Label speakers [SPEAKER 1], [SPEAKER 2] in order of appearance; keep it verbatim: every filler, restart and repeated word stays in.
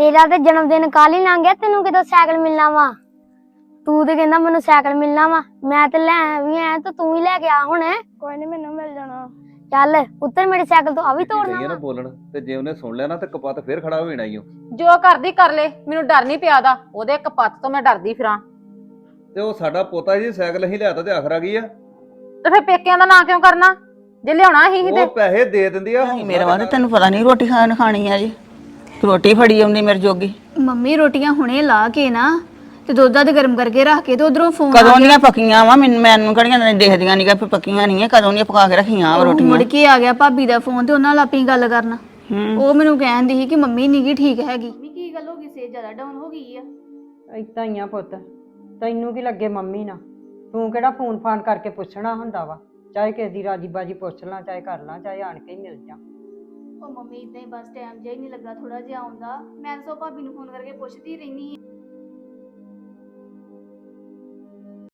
[SPEAKER 1] तेरा तो जन्मदिन कल ही लंघ गया, तेनू किदों साइकिल मिलना वा? तू तो कहंदा मैनू साइकिल मिलना वा, मैं तो लै भी आया तो तू ही लेके आ हुण। कोई नहीं, मैनू मिल जाना। चल पुत्तर मेरी साइकिल तो अभी तोड़ना
[SPEAKER 2] ਵਾ
[SPEAKER 1] वा।
[SPEAKER 2] ਬੋਲਣ ਤੇ ਜੇ ਉਹਨੇ ਸੁਣ ਲਿਆ ਨਾ ਤੇ ਕਪੱਤ ਫੇਰ ਖੜਾ ਹੋ ਜਾਣਾ ਈ ਓ।
[SPEAKER 3] ਜੋ ਕਰਦੀ ਕਰ ਲੈ, ਮੈਨੂੰ ਡਰ ਨਹੀਂ ਪਿਆ ਦਾ ਉਹਦੇ ਕਪੱਤ ਤੋਂ ਮੈਂ ਡਰਦੀ ਫਿਰਾਂ।
[SPEAKER 2] ਤੇ ਉਹ ਸਾਡਾ ਪੋਤਾ ਜੀ ਸਾਈਕਲ ਅਸੀਂ ਲਿਆਤਾ ਤੇ ਆਖਰ ਆ ਗਈ ਆ।
[SPEAKER 3] ਤੇ ਫਿਰ ਪੇਕਿਆਂ ਦਾ ਨਾਂ ਕਿਉਂ ਕਰਨਾ ਜੇ ਲਿਆਉਣਾ ਹੀ ਹੀ ਤੇ।
[SPEAKER 2] ਉਹ ਪੈਸੇ ਦੇ ਦਿੰਦੀ ਆ।
[SPEAKER 4] ਮੇਰੇ ਵਾਸਤੇ ਤੈਨੂੰ ਪਤਾ ਨਹੀਂ ਰੋਟੀ ਖਾਣ ਖਾਣੀ ਆ ਜੀ। ਰੋਟੀ ਫੜੀ ਆਉਂਦੀ ਮੇਰੇ ਜੋਗੀ।
[SPEAKER 5] ਮੰਮੀ ਰੋਟੀਆਂ ਹੁਣੇ ਲਾ ਕੇ ਨਾ ਤੇ ਦੁੱਧ ਦੱਧ ਗਰਮ ਕਰਕੇ ਰੱਖ ਕੇ ਤੇ ਉਧਰੋਂ ਫੋਨ
[SPEAKER 4] ਕਦੋਂ ਦੀਆਂ ਪੱਕੀਆਂ ਵਾ ਮੈਨੂੰ ਮੈਨੂੰ ਕਿਹੜੀਆਂ ਦੇਖਦੀਆਂ ਨਹੀਂ ਕਿ ਪੱਕੀਆਂ ਨਹੀਂ ਆ, ਕਦੋਂ ਦੀਆਂ ਪਕਾ ਕੇ ਰੱਖੀਆਂ ਵਾ ਰੋਟੀਆਂ।
[SPEAKER 5] ਮੁੜ ਕੇ ਆ ਗਿਆ ਭਾਬੀ ਦਾ ਫੋਨ ਤੇ ਉਹਨਾਂ ਨਾਲ ਆਪਣੀ ਗੱਲ ਕਰਨਾ। ਉਹ ਮੈਨੂੰ ਕਹਿੰਦੀ ਸੀ ਕਿ ਮੰਮੀ ਨੀ ਗੀ ਠੀਕ ਹੈਗੀ। ਮੰਮੀ ਕੀ ਗੱਲ ਹੋ ਗਈ, ਸੇ ਜ਼ਿਆਦਾ ਡਾਊਨ ਹੋ ਗਈ ਆ?
[SPEAKER 6] ਏਦਾਂ ਹੀ ਆ ਪੁੱਤ, ਤੈਨੂੰ ਕੀ ਲੱਗੇ ਮੰਮੀ ਨਾਲ? ਤੂੰ ਕਿਹੜਾ ਫੋਨ ਫਾਨ ਕਰਕੇ ਪੁੱਛਣਾ ਹੁੰਦਾ ਵਾ? ਚਾਹੇ ਕਿਸੇ ਦੀ ਰਾਜੀ ਬਾਜੀ ਪੁੱਛ ਲਾਂ, ਚਾਹੇ ਕਰ ਲਾਂ, ਚਾਹੇ ਆਣ ਕੇ ਹੀ ਮਿਲ ਜਾ।
[SPEAKER 5] ਉਹ ਮੰਮੀ ਇਦਾਂ ਹੀ ਬਸ ਟਾਈਮ ਜਿਹਾ ਹੀ ਨਹੀਂ ਲੱਗਾ ਥੋੜਾ ਜਿਹਾ ਆਉਂਦਾ। ਮੈਂ ਤਾਂ ਭਾਬੀ ਨੂੰ ਫੋਨ ਕਰਕੇ ਪੁੱਛਦੀ ਰਹਿੰਦੀ